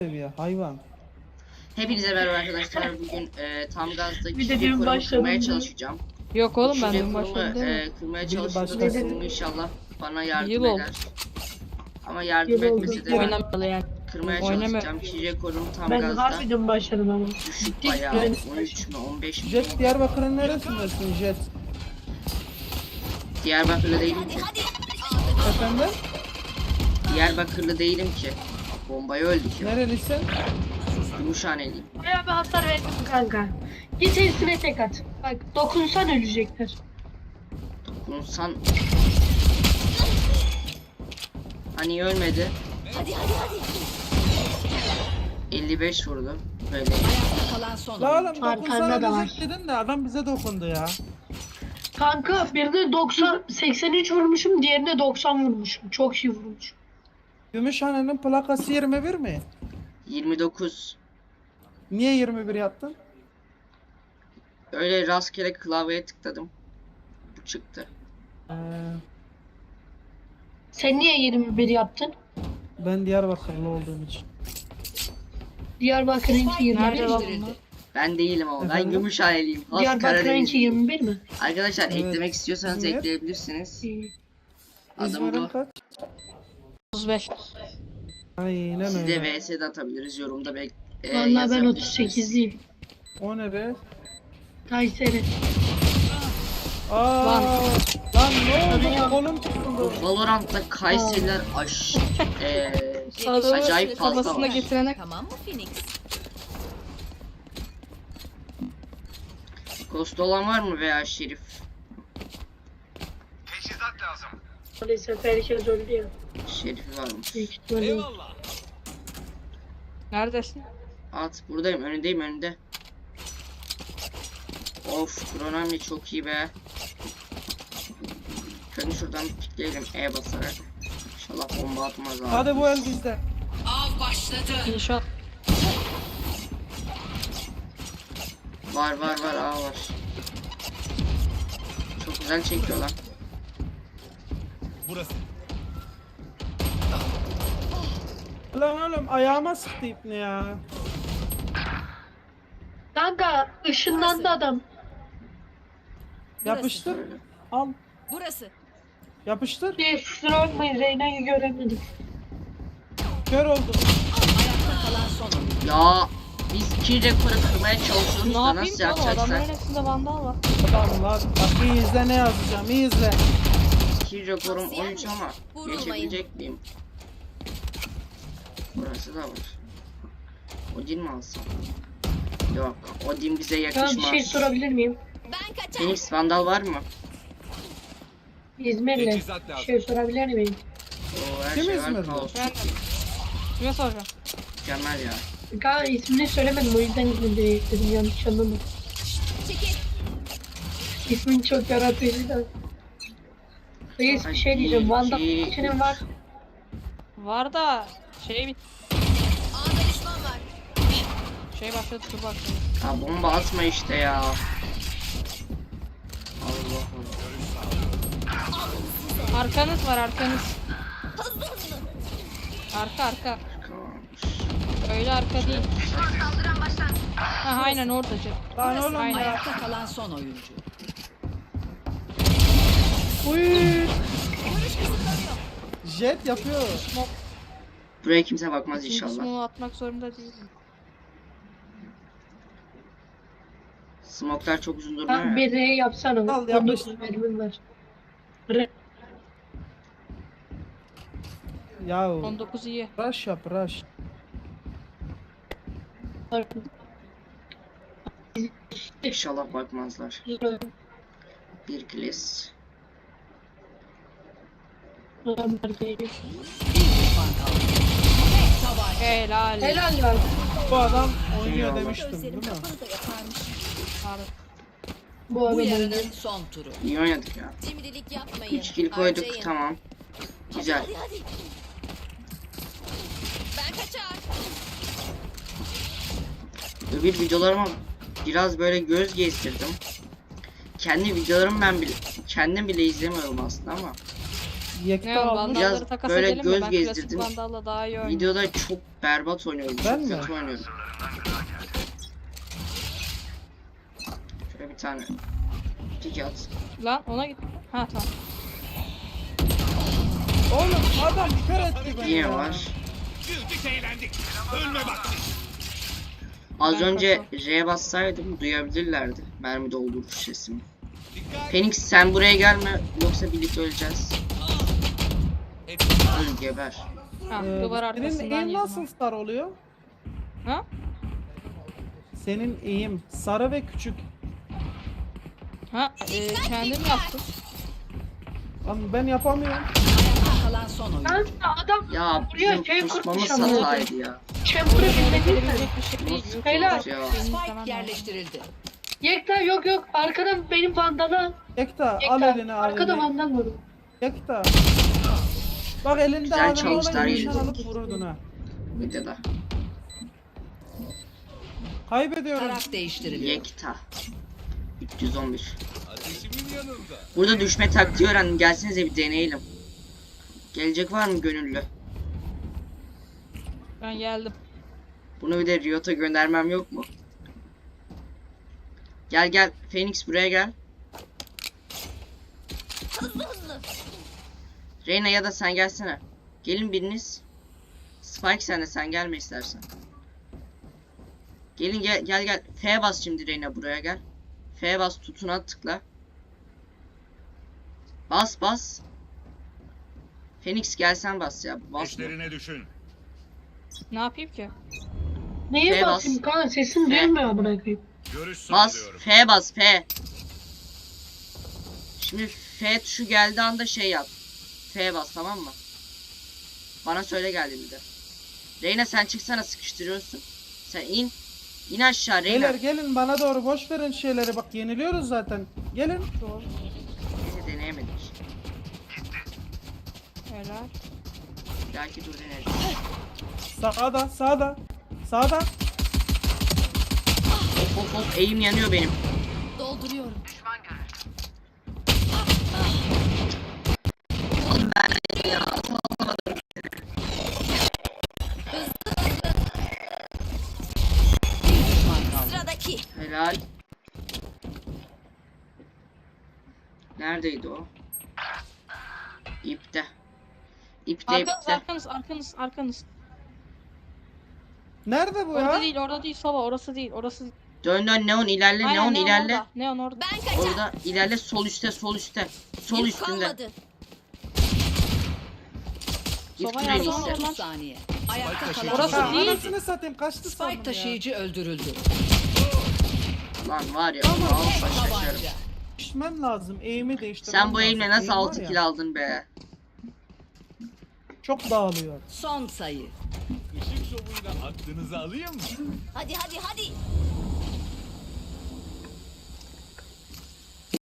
seviye hayvan. Hepinize merhaba arkadaşlar. Bugün tam gazda Bir de kişilik dün korumu başladım kırmaya ben. çalışacağım. Yok oğlum ben Kişilik dün korumu başladım değil mi? kırmaya Biri çalıştığımda başkası. konumu inşallah bana yardım Yıl oldu. eder. Ama yardım Yıl oldu. etmese de Oynamalı yani. kırmaya Oynama. çalışacağım. Kişilik korumu tam Ben gazda. harbiden başladım ama. Düşük Dik bayağı. yani. 13 mü 15 mi? Jet Diyarbakır'ın neresindesin Jet? Diyarbakırlı değilim ki. Efendim? Diyarbakırlı değilim ki. Bombayı öldük ya. Nerelisin? Gümüşhaneliyim. Bayağı bir hasar verdim kanka. Git hepsine tek at. Bak dokunsan ölecekler. Dokunsan... Hani ölmedi. 55 vurdu. Böyle. La oğlum Arkanda dokunsana da var. diyecek dedin de adam bize dokundu ya. Kanka birine 83 vurmuşum, diğerine 90 vurmuşum. Çok iyi vurmuş. Gümüşhane'nin plakası 21 mi? 29. Niye 21 yaptın? Öyle rastgele klavyeye tıkladım. Bu çıktı. Sen niye 21 yaptın? Ben Diyarbakırlı olduğum için. Diyarbakır'ınki 21 Nerede lan mi? bunlar? Ben değilim ama ben Efendim? Gümüşhaneliyim. Has Diyarbakır'ınki Karadenizliyim. 21 mi? Arkadaşlar Evet. eklemek istiyorsanız İzmir. ekleyebilirsiniz. İyi. Adım İzmir'in bu. kaç? 35. Aynen Size öyle. vs de atabiliriz. Yorumda Vallahi ben yazabilirsiniz. 38'liyim. O ne be? Kayseri. Aa, Lan. lan ne oldu? Kolum tutuldu. Valorant'ta Kayseriler Adamı acayip fazla kafasına var. getirene Tamam mı Phoenix? Ghost olan var mı veya Şerif? Maalesef herkes öldü ya. Şerif'i var mı? Büyük ihtimalle. neredesin? At buradayım, önünde. Of, Kronami çok iyi be. Şöyle şuradan pikleyelim E basarak. İnşallah bomba atmaz abi. Hadi bu el bizde. İnşaat. Var A var. Çok güzel çekiyor lan. Lan oğlum ayağıma sıktı ipni ya. Kanka ışınlandı adam. Yapıştır. Böyle. Al. Burası. Yapıştır. Bir kusura bakmayın, Reyna'yı göremedim. Kör oldum. Kalan son oyun. Ya biz 2 rekoru kırmaya çalışıyoruz Ne da yapayım nasıl ki oğlum? Adamların yapacaksak? arasında vandal var. Adamlar. Bak iyi izle ne yazacağım. İyi izle. 2 rekorum 13 ama Vurulmayın. geçebilecek miyim? Burası da var. Odin mi alsam? Yok, Odin bize Ya bir yakışmaz. şey sorabilir miyim? Ben kaçar. Phoenix Vandal var mı? İzmir'le bir şey sorabilir miyim? Oo, her Kim şey var, İzmirli? kaos. Ben kime soracağım? Mükemmel ya. Kanka ismini söylemedim, o yüzden İzmir'de ekledim, yanlış anlama. Çekil. İsmin çok yaratıcı da. Reis bir şey diyeceğim, Van'da içinin var. Var da şey A'da düşman var. şey başladı dur bak. Ya bomba atma işte ya. Allah Allah. Arkanız var arkanız. Arka. Öyle arka değil. Ha aynen orada canım. Lan oğlum Aynen. ya. Ayakta kalan son oyuncu. Uy. Jet yapıyor. Buraya kimse bakmaz Şimdi inşallah. smoke atmak zorunda değilim. Smoklar çok uzun Kanka durmuyor ya. bir R yapsana. Al, yapış. 19 mermim var. R. Ya 19 iyi. rush yap rush. İnşallah bakmazlar. Bir kles. Helal. Helal lan. Bu adam oynuyor Eyvallah. demiştim değil mi? Bu adam Bu oynuyor. yarının son turu. İyi oynadık ya. Cimrilik yapmayın. 3 kill koyduk, Harcayın. tamam. Güzel. Ben kaçar. Öbür videolarıma biraz böyle göz gezdirdim. Kendi videolarımı kendim bile izlemiyorum aslında ama Yekta Ne o almış. vandalları Biraz takas böyle edelim mi? göz Ben klasik gezdirdim. vandalla daha iyi oynuyorum. Videoda çok berbat oynuyorum. Ben Çok mi? kötü oynuyorum. Şöyle bir tane pik at. Lan ona git. Ha tamam. Oğlum adam kör etti beni Yine ya. var. Güldük eğlendik. Ölme vakti. Az Ben önce R'ye bassaydım duyabilirlerdi mermi dolduruş sesimi. Dikkat. Phoenix sen buraya gelme yoksa birlikte öleceğiz. Öl geber. Ha duvar Senin arkasından eğim yedim. nasıl star oluyor? Ha? Senin eğim sarı ve küçük. Ha kendim yaptım. Lan ben yapamıyorum. Ayakta kalan son oyuncu. Kanka adam Ya buraya bizim kusmamız kurmuş ama. hataydı ya. Chamber'ı bilmediysen. Edilecek bir şey değil. Nasıl Helal. kurmuş ya? Spike yerleştirildi. Yekta yok arkadan benim vandala. Yekta Yekta al elini al arkada elini. vandal var. Yekta. Bak elinde Güzel adam çalıştılar, olan iyi. nişan alıp vururdun ha. Videoda. Kaybediyorum. Taraf değiştiriliyor. Yekta. 311. Ateşimin yanında. Burada düşme taktiği öğrendim. Gelsenize bir deneyelim. Gelecek var mı gönüllü? Ben geldim. Bunu bir de Riot'a göndermem yok mu? Gel Phoenix buraya gel. Reyna ya da sen gelsene. Gelin biriniz. Spike sen de sen gelme istersen. Gelin gel. F bas şimdi Reyna buraya gel. F bas tutuna tıkla. Bas. Phoenix gelsen bas ya. Basma. Eşlerine düşün. Ne yapayım ki? Neye F bas. basayım kanka sesim F. gelmiyor amına koyayım. Görüş Bas. sağlıyorum. F bas. F. Şimdi F tuşu geldiği anda şey yap. F bas tamam mı? Bana söyle geldi bir de. Reyna sen çıksana sıkıştırıyorsun. Sen in. İn aşağı Reyna. Beyler gelin bana doğru boş verin şeyleri bak yeniliyoruz zaten. Gelin. Neyse deneyemedik. Helal. Belki dur deneriz. Sağda. Sağda. Of eğim yanıyor benim. Dolduruyorum. Bir düşman kaldı. Sıradaki. Helal. Neredeydi o? İpte. Arkanız. Nerede bu Orada ya? değil, orada değil Sova, orası değil, orası değil. Dön Neon ilerle. Aynen, Neon ilerle. orada. Neon orada. Ben kaçar. Orada ilerle sol üstte. Sol Yük üstünde. kalmadı. Git Sova Phoenix'e. yardım Son al. 30 saniye. Ayakta kalan Orası son Ha, değil. oyuncu. anasını satayım kaçtı sandım Spike ya. taşıyıcı öldürüldü. Lan var ya. Vallahi şaşarım. Tabanca. Değiştirmem lazım. Eğimi değiştirmem Sen bu lazım. eğimle nasıl Eğim 6 var kill ya, aldın be? Çok dağılıyor. Son sayı. Işık şovuyla aklınızı alayım mı? Hadi.